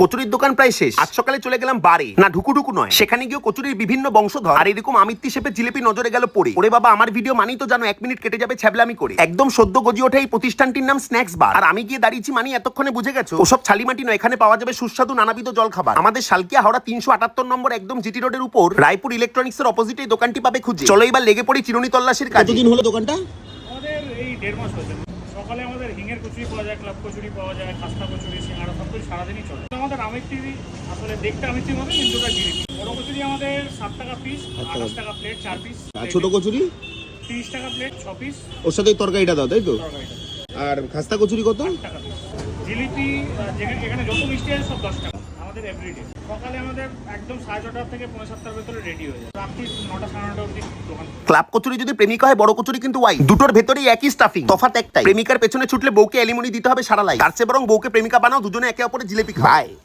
কচুরির দোকান প্রায় শেষ। আজ সকালে চলে গেলাম বারে, না ঢুকুঢুকু নয়, সেখানে গিয়ে কচুরির বিভিন্ন বংশধর আর এরকম আমিত্তি শেপের জিলিপি নজরে গেল পড়ে। ওরে বাবা, আমার ভিডিও মানেই তো জানো 1 মিনিট কেটে যাবে ছ্যাবলামি করে। একদম সদ্য গজি ওঠা এই প্রতিষ্ঠানটির নাম স্ন্যাক্স বার। আর আমি গিয়ে দাঁড়িয়েছি মানে এতক্ষণে বুঝে গেছো ওসব ছালিমাটি নয়, এখানে পাওয়া যাবে সুস্বাদু নানাবিধ জল খাবার। আমাদের শালকিয়া হাওড়া 378 নম্বর একদম জিটি রোডের উপর রায়পুর ইলেকট্রনিক্স এর অপোজিটে এই দোকানটি পাবে খুঁজে। চলো এবার লেগে পড়ি চিরুনি তল্লাশির কাজে। কতদিন হলো দোকানটা? আমাদের এই 1.5 মাস হয়েছে। সকালে আমাদের হিঙের কচুরি পাওয়া যায়, ক্লাব কচুরি পাওয়া যায়, খাস্তা কচুরি, সিঙ্গাড়া, সব কিছু সারাদিনই চলে। আমাদের আমিত্তি আসলে দেখতে আমিত্তির মতো, কিন্তু ওটা জিলিপি। বড় কচুরি আমাদের 7 টাকা পিস, 28 টাকা প্লেট 4 পিস। আর ছোট কচুরি 30 টাকা প্লেট 6 পিস। ওর সাথে তরকারিটা দাও, তাই তো? তরকারিটা আর খাস্তা কচুরি কত? 8 টাকা পিস। জিলিপি এখানে যত মিষ্টি আছে সব 10 টাকা। আমাদের এভরিডে সকালে আমাদের একদম 6:30 থেকে 7:30 ভেতরে রেডি হয়ে যায়। রাত্রি 9টা 9:30 অবধি দোকান। ক্লাব কচুরি যদি প্রেমিকা হয়, বড় কচুরি কিন্তু ওয়াই। দুটোর ভেতরেই একই স্টাফিং, তফাৎ একটাই, প্রেমিকার পেছনে ছুটলে বউকে অ্যালিমনি দিতে হবে সারা লাই। তার চেয়ে বরং বউকে প্রেমিকা বানাও, দুজনে একে অপরের জিলিপি খায়।